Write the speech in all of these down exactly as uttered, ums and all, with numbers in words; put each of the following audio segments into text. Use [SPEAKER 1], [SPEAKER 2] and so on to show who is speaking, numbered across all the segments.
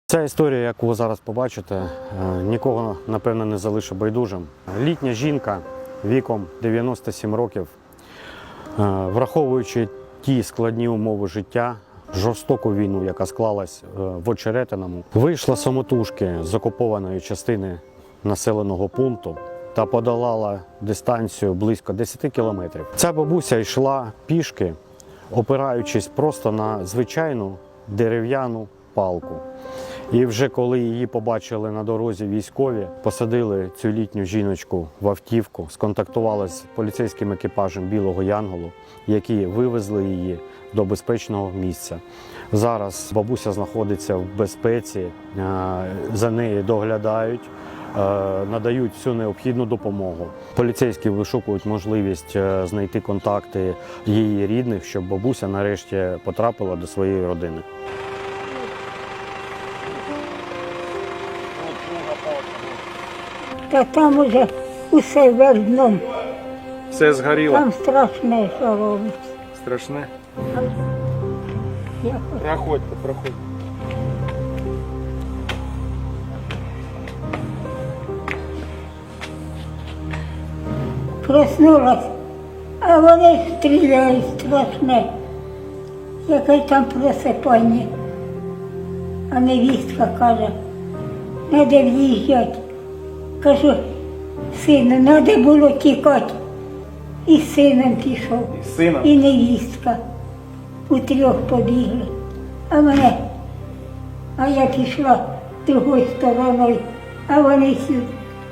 [SPEAKER 1] Ця історія, яку ви зараз побачите, нікого, напевно, не залишить байдужим. Літня жінка віком дев'яносто сім років, враховуючи ті складні умови життя, жорстоку війну, яка склалась в Очеретиному, вийшла самотужки з окупованої частини населеного пункту та подолала дистанцію близько десяти кілометрів. Ця бабуся йшла пішки, опираючись просто на звичайну дерев'яну палку. І вже коли її побачили на дорозі військові, посадили цю літню жіночку в автівку, сконтактували з поліцейським екіпажем Білого Янголу, які вивезли її до безпечного місця. Зараз бабуся знаходиться в безпеці, за нею доглядають, надають всю необхідну допомогу. Поліцейські вишукують можливість знайти контакти її рідних, щоб бабуся нарешті потрапила до своєї родини.
[SPEAKER 2] Та там уже усе вердном.
[SPEAKER 3] Все згоріло?
[SPEAKER 2] Там страшне, що робиться.
[SPEAKER 3] Страшне?
[SPEAKER 2] Я
[SPEAKER 3] Проходьте, проходьте.
[SPEAKER 2] проснулась, а вони стріляють страшне. Яке там просипання. А невістка каже, треба в'їжджати. Кажу, сину, треба було тікати. І з сином пішов,
[SPEAKER 3] І з сином?
[SPEAKER 2] і невістка. У трьох побігли. А мене, а я пішла другою стороною, а вони сюди.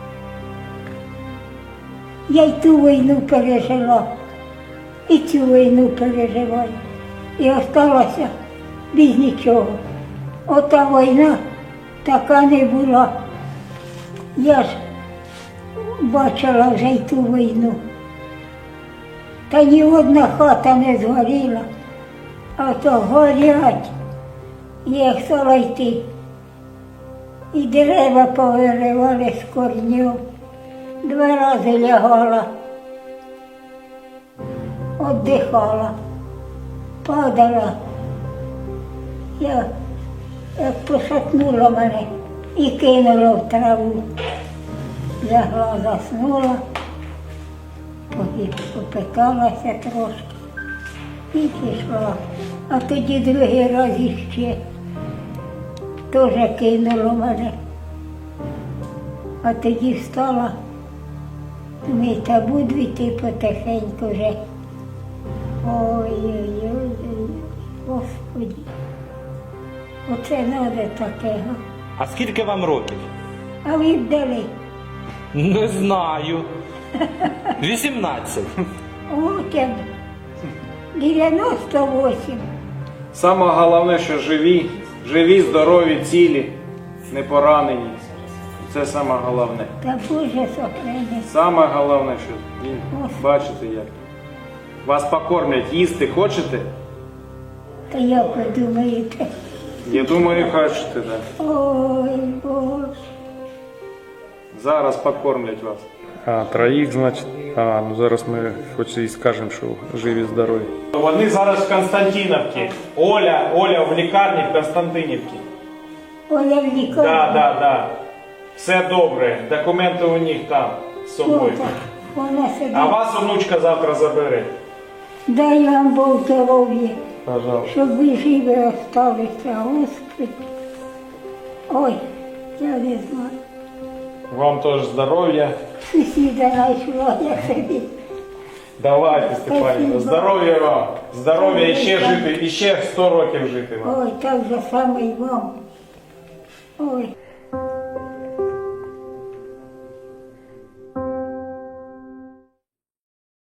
[SPEAKER 2] Я й ту війну пережила, і цю війну переживаю. І осталася без нічого. Ота війна така не була. Я ж бачила вже й ту війну. Та ні одна хата не згоріла, а то горять. Я стала йти. І дерева повиривали з корнів. Два рази лягала, віддихала, падала. Я як пошатнула мене і кинула в траву. Лягла, заснула, попиталася трошки і пішла. А тоді другий раз іще теж кинуло мене. А тоді встала, думаю, та буду йти потихеньку вже. Ой-ой-ой, Господи, оце треба таке.
[SPEAKER 4] А скільки вам років?
[SPEAKER 2] А ви б дали?
[SPEAKER 4] Не знаю. вісімнадцять.
[SPEAKER 2] От я дев'яносто вісім.
[SPEAKER 3] Саме головне, що живі, живі, здорові, цілі, не поранені. Це саме головне.
[SPEAKER 2] Та Боже сохрани.
[SPEAKER 3] Саме головне, що він, бачите як. Вас покормлять, їсти хочете?
[SPEAKER 2] Та як ви думаєте?
[SPEAKER 3] Я думаю, хочете, так.
[SPEAKER 2] Ой, Боже.
[SPEAKER 3] Зараз покормлять вас. А, троїх, значить. А, ну зараз ми хоч і скажемо, що живі, здорові. Вони зараз в Константинівці. Оля, Оля в лікарні в Константинівці.
[SPEAKER 2] Оля в лікарні.
[SPEAKER 3] Так, так, так. Все добре. Документи у них там з собою.
[SPEAKER 2] Отак. Вона сидить.
[SPEAKER 3] А вас онучка завтра забере.
[SPEAKER 2] Дай вам Бог здоров'я,
[SPEAKER 3] Пожалуйста.
[SPEAKER 2] щоб ви живі осталися, Господи. Ой, я не знаю.
[SPEAKER 3] Вам теж здоров'я.
[SPEAKER 2] Сусіда знайшла, я собі.
[SPEAKER 3] Давайте, Степанівна, здоров'я вам. Здоров'я і ще жити, і ще сто років жити вам.
[SPEAKER 2] Ой, так же саме й вам. Ой.